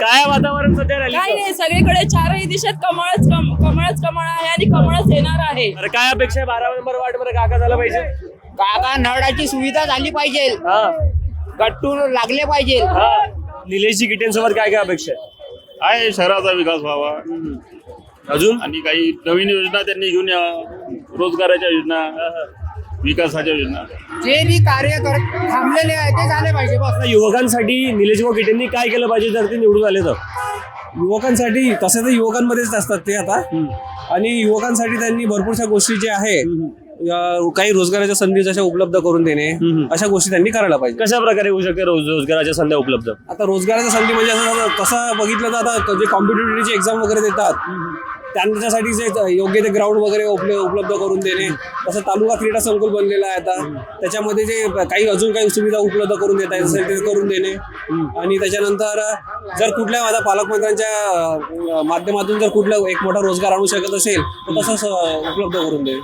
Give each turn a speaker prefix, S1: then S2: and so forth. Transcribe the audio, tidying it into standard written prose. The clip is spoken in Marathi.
S1: काय वातावरण सध्या
S2: काही
S1: रॅलीचं?
S2: नाही, सगळीकडे चारही दिशेत कमळच कमळ आहे आणि कमळच येणार आहे.
S1: तर काय अपेक्षा आहे 12 नंबर वार्ड मध्ये काका झालं पाहिजे?
S3: काका नळाची सुविधा झाली पाहिजे,
S1: हा
S3: गट्टू लागले पाहिजे.
S1: हा निलेशजी गिटेंसोबत काय काय अपेक्षा आहे?
S4: आहे शहराचा विकास व्हावा
S1: अजून
S4: आणि काही नवीन योजना त्यांनी घेऊन यावं, रोजगाराच्या योजना, विकासाच्या योजना.
S3: जे बी कार्य थांबलेले आहे ते झाले पाहिजे बस.
S1: आता युवकांसाठी निलेश भाऊ गिटेंनी काय केलं पाहिजे जर ते निवडून आले तर?
S5: युवकांसाठी तसं तर युवकांमध्येच असतात ते आता. आणि युवकांसाठी त्यांनी भरपूरशा गोष्टी ज्या आहे काही रोजगाराच्या संधी जशा उपलब्ध करून देणे अशा गोष्टी त्यांनी करायला पाहिजे.
S1: कशा प्रकारे होऊ शकते रोजगाराच्या संधी उपलब्ध?
S5: आता रोजगाराच्या संधी म्हणजे असं तसं बघितलं तर आता जे कॉम्पिटिटिव्हची एक्झाम वगैरे देतात त्यांच्यासाठी जे योग्य ते ग्राउंड वगैरे उपलब्ध करून देणे. तसं तालुका क्रीडा संकुल बनलेला आहे आता, त्याच्यामध्ये जे काही अजून काही सुविधा उपलब्ध करून देता येत असेल ते करून देणे. आणि त्याच्यानंतर जर कुठल्या आता पालकमंत्र्यांच्या माध्यमातून जर कुठला एक मोठा रोजगार आणू शकत असेल तर तसंच उपलब्ध करून देणे.